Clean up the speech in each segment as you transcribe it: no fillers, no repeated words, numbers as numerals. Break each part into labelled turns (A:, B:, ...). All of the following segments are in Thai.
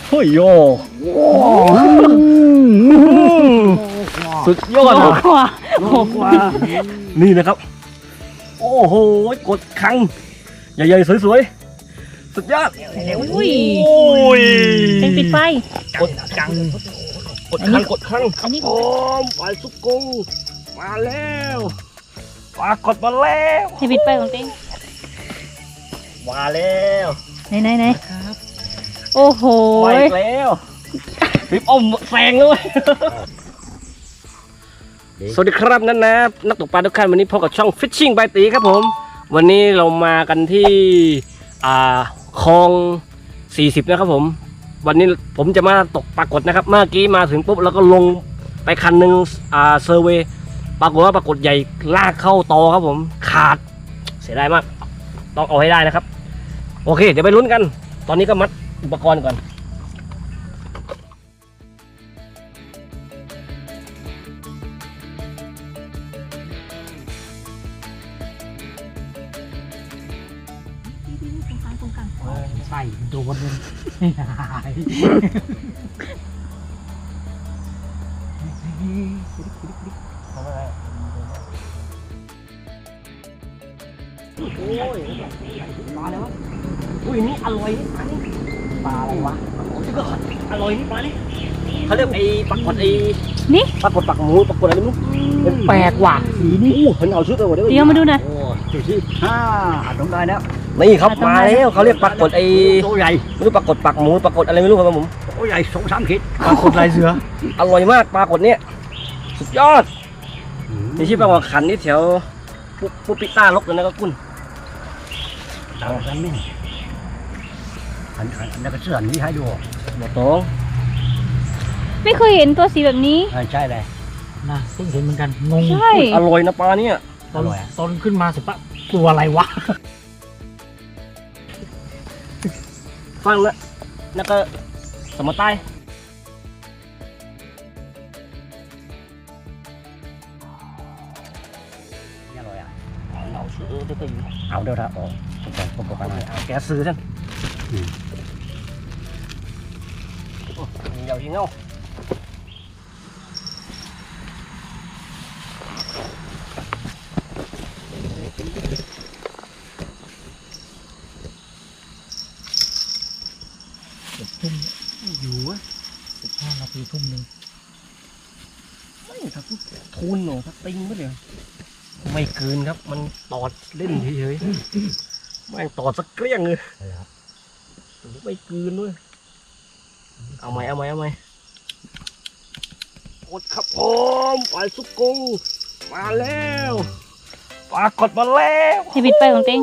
A: เฮ้ยโยสุดยอดเลยนี่นะครับโอ้โหกดคังใหญ่ๆสวยๆสุดยอด
B: อุ้ย
A: โอ้ย
B: เป็นปิดไฟ
A: กดคังกดคัง
B: อันนี้
A: โอ้ปลาสุกุ้งมาแล้วปลากดมาแล้ว
B: ให้ปิดไฟของเต้ง
A: มาแล้ว
B: ไหนโอ้โห
A: ไปอีกแล้วปิ๊บอ้อมแซงเลยสวัสดีครับนักตกปลาทุกท่านวันนี้พบกับช่อง Fishing by ตีครับผมวันนี้เรามากันที่คลอง40นะครับผมวันนี้ผมจะมาตกปลากดนะครับเมื่อกี้มาถึงปุ๊บแล้วก็ลงไปคันหนึ่งเซอร์เวย์ปรากฏว่าปลากดใหญ่ลากเข้าตอครับผมขาดเสียดายมากต้องเอาให้ได้นะครับโอเคเดี๋ยวไปลุ้นกันตอนนี้ก็มัดอุปกรณ์ก่อน
C: ใส่โดนเลยหาย
A: โอ้ยปลาอะไรวะอุ้ยนี่อร่อยนี่ปลานี่ปลาอะไรวะโอ้ยก็อร่อยนี่ปลานี่เขาเรียกไอ้ปลากดไอ้
B: นี่
A: ปลากดปากหมูปลากดอะไรไม่รู้
C: แปลกว่ะสีนี่
A: อู้เห็นเอาชุดเลย
B: เดี๋ยวมาดูหน่อย
A: โอ้
C: ดูสิต้องได้แล้ว
A: นี่ครับมาแล้วเขาเรียกปลากดไอ้
C: ตัวใหญ่
A: ไม่รู้ปลากดปากหมูปลากดอะไรไม่รู้ครับผม
C: ตัวใหญ่2-3 ขีดปลากดลายเสือ
A: อร่อยมากปลากดเนี่ยสุดยอดนี่ชื่อปลาหัวขันนี่แถวปุ๊บปิต้าลกเลยนะก็กุ้น
C: ดังกันนี่อันนั้นก็เสื้อนี้ให้ดู
A: หมดท้อง
B: ไม่เคยเห็นตัวสีแบบนี้
C: ใช่เลยนะเพิ่งเห็นเหมือนกันงง
B: ใช่
A: อร่อยนะปลาเนี่ย
C: ตอนขึ้นมาสิปะตัวอะไรวะ
A: ฟังแล้วแล้วก็สมอใต้
C: นี่อร่อยอ่ะ
A: เราซื้อได้ไปอยู่
C: เอาเดี๋ยวนะผมบอกกันหน่อย
A: แกซื้อท่านเดี๋ยวยิงเอา
C: ทุ่มอยู่15 นาทีทุ่มหนึ่ง
A: ไม่ถ้าพูดทุนหนูถ้าติงไม่เดี๋ยวไม่เกินครับมันตอดเล่นเฉยๆแม่งตอดสักเกลี้ยงเลยไม่เกินด้วยเอาไหมกดครับผมปลาสุกุ้งมาแล้วปลากดมาแล้ว
B: ให้ปิดไฟของเต้ง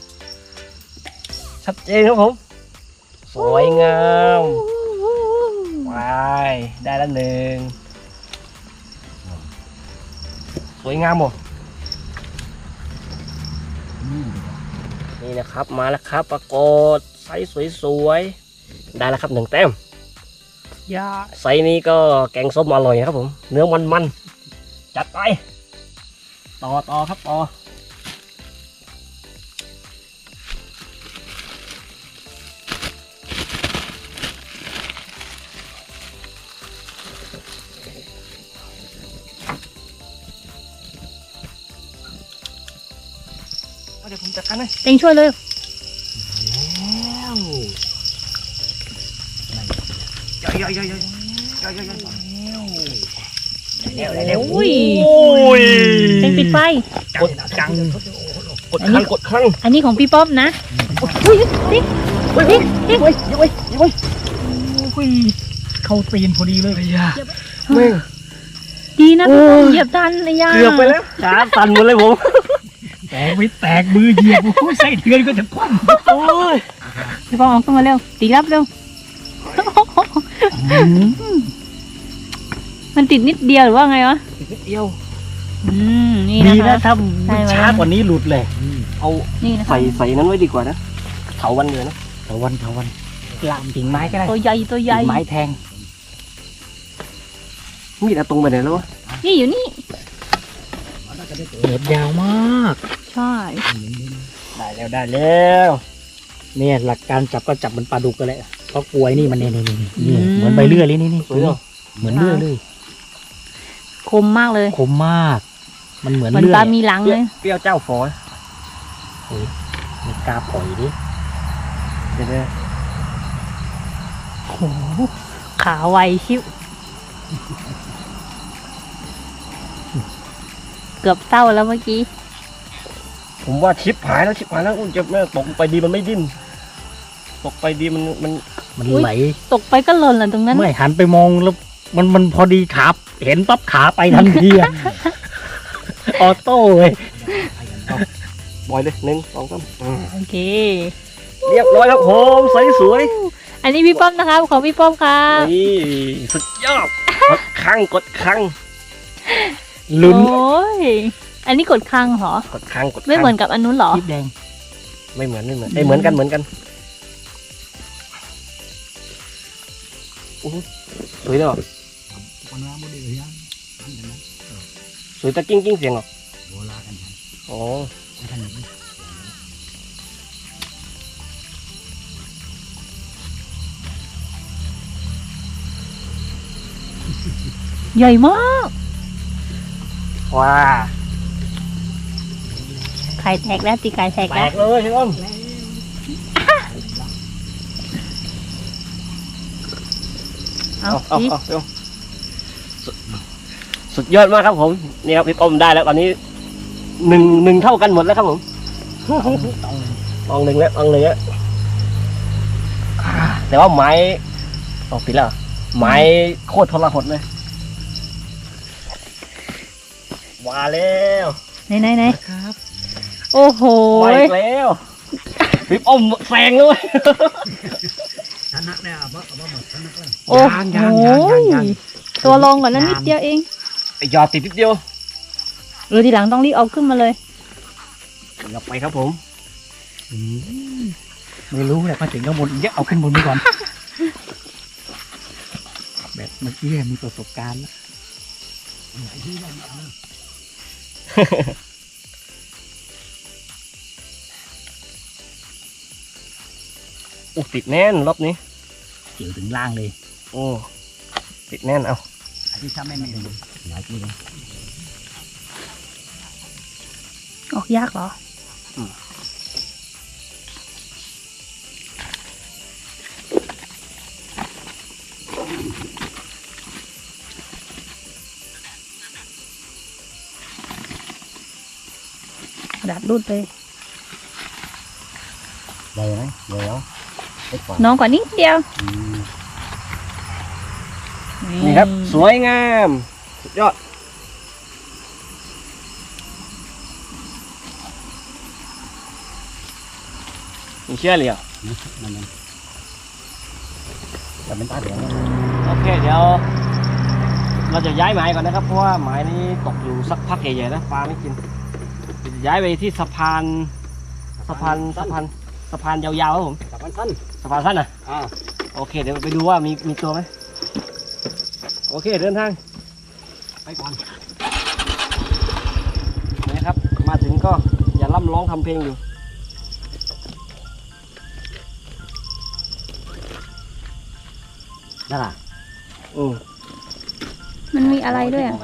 A: ชัดเจนครับผมสวยงามไปได้แล้วหนึ่งสวยงามหมดนี่นะครับมาแล้วครับปรากฏไซส์สวยๆได้แล้วครับ1 แต้ม
C: ยา
A: ไซส์นี้ก็แกงส้มอร่อยนะครับผมเนื้อมันๆจัดไปต่อครับต่อเดี๋ยวผมจัดการให้
B: เต้งช่วยเลย
C: เร็ว
B: อุ้ย
A: โอ้ย
B: เต้งปิดไฟ
A: กดคังกดคัง
B: อันนี้ของพี่ป๊อปนะอุ้ยนี่
A: เฮ้ยยังไง
C: เข้าตีนพอดีเลยยา
A: แม่ง
B: ดีนะพี่ป๊อปเหยียบทันไอ้ยา
A: เกือบไปแล้วขาสั่นหมดเลยผม
C: แตกมือเหยียบไส้เดือนก็จะคว่ำ
A: โอ้ย
B: พี่ป๊อปออกขึ้นมาเร็วตีรับเร็วมันติดนิดเดียวหรือว่าไงวะ
A: นิดเดียว
B: นี่
C: ดี
B: นะ
C: นะคะ ถ้าช้ากว่านี้หลุดเลย
A: เอา
B: นี่นะคะ
A: ใส่นั้นไว้ดีกว่านะเถาวันเดือนนะ
C: เถาวันลามกิ่งไม้ก็ได้
B: ตัวใหญ่
C: กิ่งไม้แทง
A: มีดเอาตรงไปไหนแล้ววะ
B: นี่อยู่นี่
C: เน็บยาวมาก
B: ใช่
A: ได้แล้ว
C: เนี่ยหลักการจับก็จับมันปลาดุกกันแหละเพราะกล้วยนี่มันนี่เหมือนใบเลื่อยเลยนี่
A: สวยเนาะ
C: เหมือนเลื่อยเลย
B: คมมากเลย
C: คมมาก มันเหมือน
B: เหมือน
C: เลื่อ
B: ปลาย มีหลังเลย
A: เปรี้ยวเจ้าฝอย
C: ไม่กล้าปล่อยดิ
A: เดี๋ยว
B: โอ้โหขาไวชิวเกือบเศร้าแล้วเมื่อกี้
A: ผมว่าชิปหายแล้วอุ้ยจะแม่ตกไปดีมันไม่ดิ้นตกไปดีมัน
C: มัน
B: อุ๊ย
C: ไหล
B: ตกไปก็หล่นหล่นตรงนั้น
C: ไม่หันไปมองแล้วมันพอดีขาเห็นปั๊บขาไปทันทีอะ ออโต้เลย
A: บอยเลย1 2 3
B: โอเค
A: เรียบร้อยครับผมใสสวย
B: อันนี้พี่ป้อมนะครับของพี่ป้อมครับ
A: นี่สุดยอดกดครั้ง
C: ลุ้น
B: โอ้ยอันนี้กดคลังเหรอ
A: กดครั้ง
B: ไม่เหมือนกับอันนู้นเหรอ
C: คลิปแดง
A: ไม่เหมือนเหมือนกันสวยเนาะสวยตะกิ้งเสียงเหรออ๋อ
B: ใหญ่มาก
A: ว้า
B: ไข่แตกแล้วตีไข่แตก
A: แต
B: แล้ว
A: กเลยใช่ไหม
B: เอา
A: เอา
B: จิ๊บ
A: เร็วสุดยอดมากครับผมนี่ครับพี่ป้อมได้แล้วตอนนี้หนึ่งเท่ากันหมดแล้วครับผมลองหนึ่งแล้วแต่ว่าไม้ปิดแล้วไม้โคตรทรหดเลยมาแล้ว
B: ไหน
C: ครับ
B: โอ้โห
A: มาอีกแล้วพี่ป้อมแซงเลย
C: ชนะเนี่ยเอาหมดชนะเลย
B: โอ้โหตัวลงก่อนแล้วนิดเดียวเอง
A: ไอ้ยอดติดนิดเดียว
B: หรือทีหลังต้องรีบเอาขึ้นมาเลย
A: กลับไปครับผม
C: ไม่รู้แหละมาถึงข้างบนเยอะเอาขึ้นบนไปก่อน แบบเมื่อกี้มีประสบการณ์แล้ว
A: ติดแน่นรอบนี้
C: เกี่ยวถึงล่างเลย
A: โอ้ติดแน่นเอา
C: อันที่ถ้าไม่มีหลายทีเลย
B: ออกยากเหรอ ดัดรูดไป
C: ได้ไหมเดี๋ยวไปก่อน
B: น้องกว่านิดเดียว
A: นี่ครับสวยงามสุดยอดมีเชื่อเลยอ่ะ
C: มันแต่เป็นตาเดียว
A: โอเคเดี๋ยวเราจะย้ายหมายก่อนนะครับเพราะว่าหมายนี้ตกอยู่สักพักใหญ่ๆนะปลาไม่กินจะย้ายไปที่สะพานยาวๆครับผม
C: สะพานสั้น
A: สะพานสั้นนะ
C: อ่า
A: โอเคเดี๋ยวไปดูว่ามีตัวไหมโอเคเดินทาง
C: ไปก่อน
A: นะครับมาถึงก็อย่าล่ำร้องทำเพลงอยู่
C: นั่นล่ะ
B: มันมีอะไรด้วยอ่ะ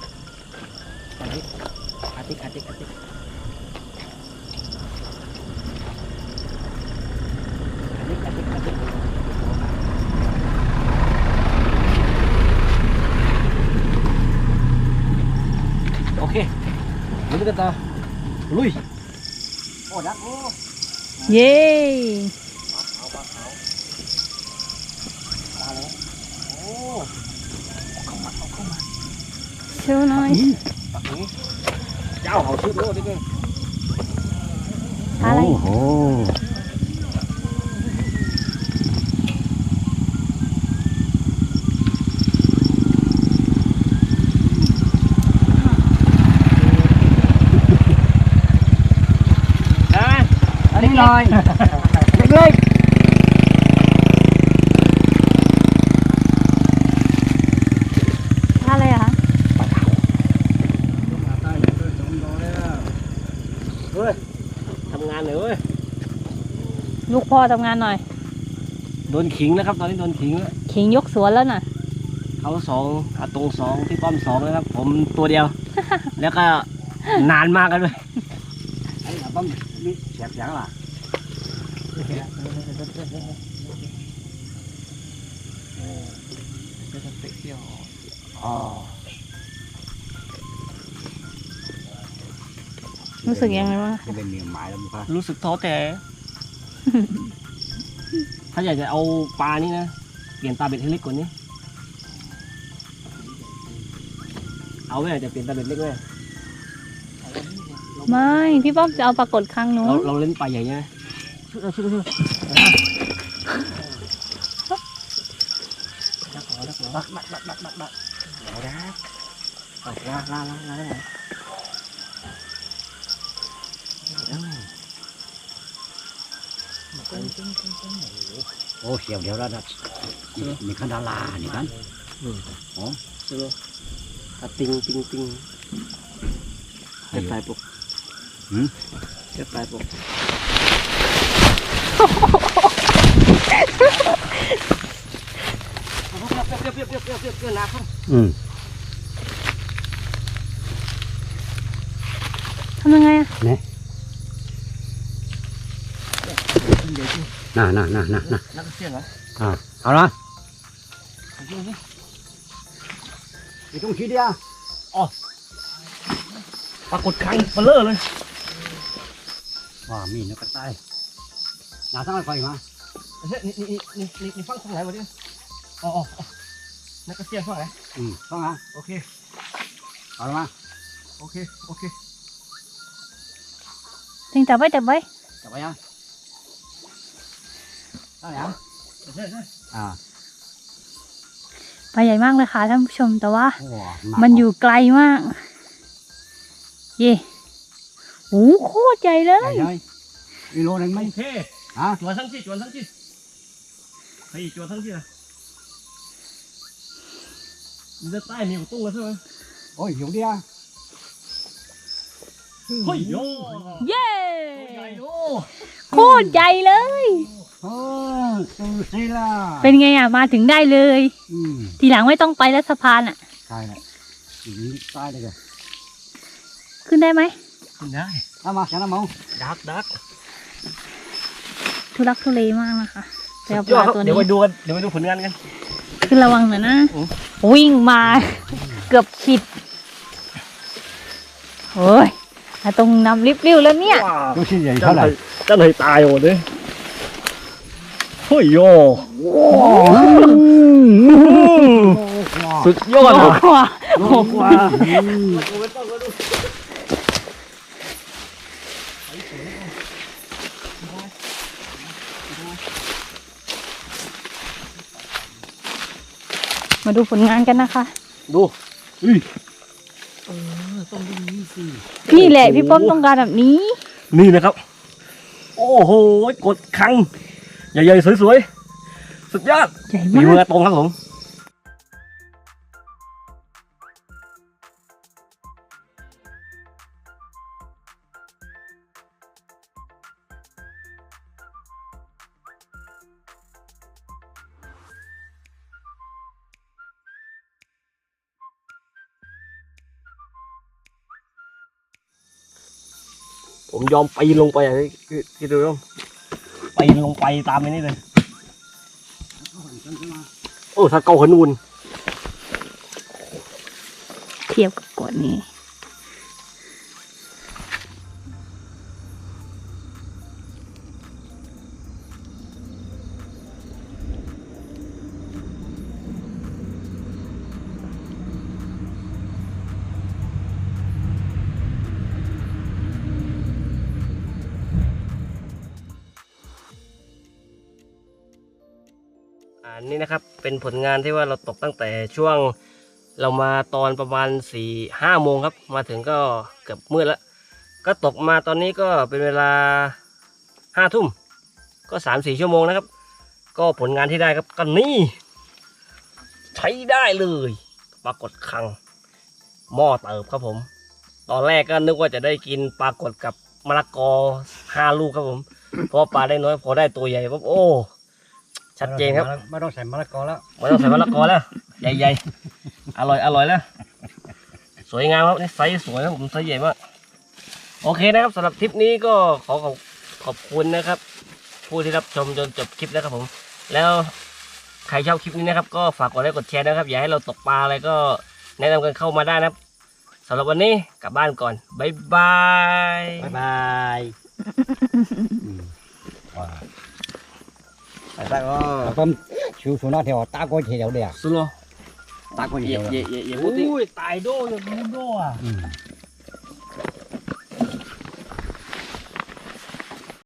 C: อาติก
A: โอเคลุยกันต่อลุย
C: โอ้ดักโอ้
B: เย้
A: โอ้
C: เข้ามา
B: โชว์หน่อย
A: ปักนี้เจ้าเขาชื่อโลดดิเพื่อน
B: อะไร
C: โอ้โห
A: อันนี้ลอยเล็ก
B: อะไรอะคะ
A: เฮ้ยทำงานหน่อยเว้ย
B: ลูกพ่อทำงานหน่อย
C: ม
A: โดนขิงนะครับ ตอนนี้โดนขิงแล้ว
B: ขิงยกสวนแล้วน่ะ
A: เขาสองอาตรงสองพี่ป้อมสองนะครับ ผมตัวเดียว แล้วก็นานมากกันด้วยไอ้ป้อมนี่เสียบยังล่ะอ๋อ
B: รู้สึกยังไงบ้าง
C: จะเป็นเมียหมายแล้วมั้งครับ
A: รู้สึกท้อแท้ ถ้าอยากจะเอาปลานี่นะเปลี่ยนตาเบ็ดให้เล็กกว่านี้ เอาไหมจะเปลี่ยนตาเบ็ดเล็กไหม
B: ไม่พี่ป้อมจะเอาปรากฏครั้งนู้น
A: เราเล่นปลาใหญ่ใช่ไหมช่วยบักเอาละเอาลาได้ไหม
C: โอ้เขียวเดี๋ยวแล้วนะมีขันดารานี่กัน
A: ช่วยติงเจ็บปลายปกเจ็บปลายปกเปรี้ยวนะครับ
B: ทำยังไงอะ
C: น่ะ
A: นักเสี่ยงเหรอ
C: เอาละไม่ต้องคิดเดียว
A: ปรากฏครั้งเบลอเลย
C: ว่ามีนกกระต่ายหนาทั้งไฟมา
A: นี่ฟังตรงไหนวะเนี่ยอ๋อนักเสี่ยงฝั่งไหน
C: ต้องนะ
A: โอเค
C: เอาละมา
A: โอเค
B: ถึงจับไว้
C: จับไปยังได้ยัง
B: ปลาใหญ่มากเลยค่ะท่านผู้ชมแต่ว่า
C: โอ้
B: มันอยู่ไกลมาก เย่โอ้โคตรใหญ่เล
C: ใหญ่
B: ย
C: เลยอีโลนึงไหม
A: โอเค
C: ฮะ
A: จวนทั้งที่เฮ้ยจวนทั้งที่นะมันจะใต้มีตุ้งแล้วใช่ไหม
C: โอ้ยหิวเดียว
A: เฮ้ยโย่
B: เย่
A: ใหญ่โย่
B: โคตรใหญ่เลย
C: โอ้ตูสิล่ะ
B: เป็นไงอ่ะมาถึงได้เลย
C: ม
B: ทีหลังไม่ต้องไปแล้วสะพานอ่ะ
C: ใช่แหละอย่างนี้ใต้เลยกัน
B: ขึ้นได้ไหม
A: ขึ้นได้
C: เอามาฉันน้ำมอง
A: ดัก
B: ทุลักทุเลมากนะคะแต่เอาป
A: ยอด
B: ลา
A: ครับ
B: ตัว
A: เดี๋ยว
B: นี้
A: ไปดูกันเดี๋ยวไปดูผลงานกัน
B: คือระวังหน่อยนะ
A: อืม
B: วิ่งมาเกือบขิดโอ้ยตรงนำริบริ้วแล้วเนี่ย
C: ดูชิ้นใหญ่เท่าไหร่
A: เจ้าหน่อยตายหมดเลยเฮ้ยโย่สุดยอด
B: โอ้
A: เลย
B: โห
C: โลกว่า
B: มาดูผลงานกันนะคะ
A: ดู
C: ต้องดูนี่สิ
B: นี่แหละพี่ป้อมต้องการแบบนี้
A: นี่นะครับ โอ้โหกดคังใหญ่ๆสวยๆสุดยอด
B: ใหญ่
A: มี
B: มา
A: มือก ตรงครับผมผมยอมไปลงไปอ่ะที่ดูครับไปลงไปตามไปนี่เลยโอ้ถ้าเกาขนูน
B: เทียบกับกดนี้
A: นี่นะครับเป็นผลงานที่ว่าเราตกตั้งแต่ช่วงเรามาตอนประมาณ4-5 โมงครับมาถึงก็เกือบมืดแล้วก็ตกมาตอนนี้ก็เป็นเวลา5 ทุ่มก็3-4 ชั่วโมงนะครับก็ผลงานที่ได้ครับก็นี่ใช้ได้เลยปรากฏคังหม้อเติบครับผมตอนแรกก็นึกว่าจะได้กินปรากฏกับมะละกอ5 ลูกครับผมเพราะปลาได้น้อยพอได้ตัวใหญ่ปั๊บโอ้ชัดเจนครับ
C: ไม่ต้องใส่มะละกอแล้ว
A: ไม่ต้องใส่มะละกอแล้วใหญ่ๆอร่อยแล้วสวยงามครับนี่ไซส์สวยครับผมไซส์ใหญ่มากโอเคนะครับสำหรับทริปนี้ก็ขอบคุณนะครับ ผู้ที่รับชมจนจบคลิปนะครับผม แล้วใครชอบคลิปนี้นะครับ ก็ฝากกดไลค์กดแชร์นะครับ อยากให้เราตกปลาอะไรก็แนะนำกันเข้ามาได้นะครับสำหรับวันนี้กลับบ้านก่อนบ๊ายบาย
C: บ๊ายบาย
D: tại có con chú xuống nó theo ta có thể đéo đẻ
A: สุโล
D: ta có thể
A: เย่
D: đéo
A: เย่
D: đẻ
A: เย่เย่พูดดิ
C: อุ้ยตายโดอย่างมูโดอ่ะ
D: Ừ.